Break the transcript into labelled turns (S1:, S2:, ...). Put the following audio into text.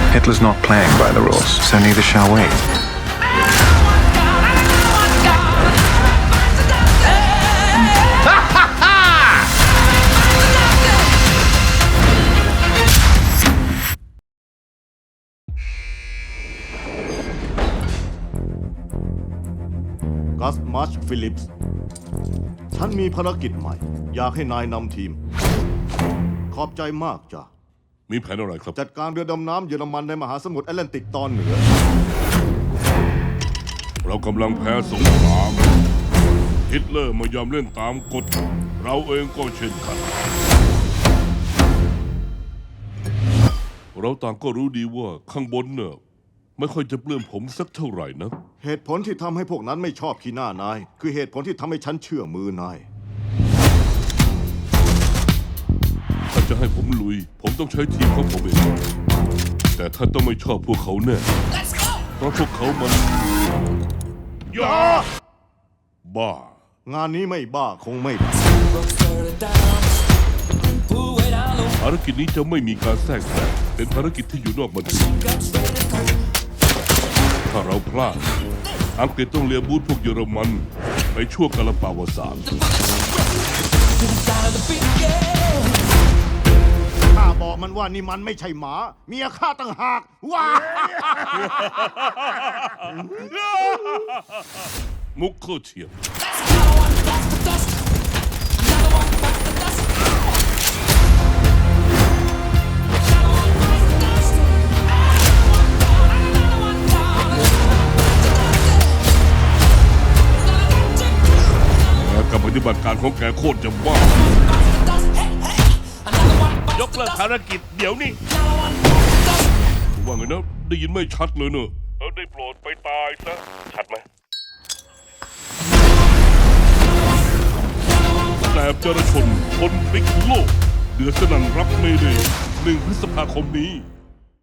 S1: Hitler's not playing by the rules, so neither shall we.
S2: Gus March Phillips ฉันมีภารกิจใหม่ อยากให้นายนำทีม ขอบใจมากจ้ะ
S3: มีแผนอะไรครับ
S2: จัดการเรือดำน้ำเยอรมันในมหาสมุทรแอตแลนติกตอนเหนือ
S3: เรากำลังแพ้สงครามฮิตเลอร์ไม่ยอมเล่นตามกฎ เราเองก็เช่นกัน เราต่างก็รู้ดีว่าข้างบนเนี่ยไม่ค่อยจะเปลื้มผมสักเท่าไหร่นะ
S2: เหตุผลที่ทำให้พวกนั้นไม่ชอบขี้หน้านาย คือเหตุผลที่ทำให้ฉันเชื่อมือนาย
S3: ถ้าจะให้ผมลุย ผมต้องใช้ทีมของผมเอง แต่ท่านต้องไม่ชอบพวกเขาแน่ เพราะพวกเขามันยาบ้า
S2: งานนี้ไม่บ้าคงไม่
S3: ภารกิจนี้จะไม่มีการแทรกแซงเป็นภารกิจที่อยู่นอกบัญชีถ้าเราพลาดอังกฤษต้องเลียบูธพวกเยอรมันในช่วงกาลปาวสาน
S2: ข้าบอกมันว่านี่มันไม่ใช่หมา เมียข้าต่างหากว้า
S3: มุกเข้าเฉียบกับปฏิบัติการของแกโคตรจะบ้ายกเลิกภารกิจเดี๋ยวนี้ว่าไงนะได้ยินไม่ชัดเลยเนอะได้โปรดไปตายซะชัดไหมแสบจรชนคนพลิกโลกเดือดสนั่นรับเมเดย์1 พฤษภาคมนี้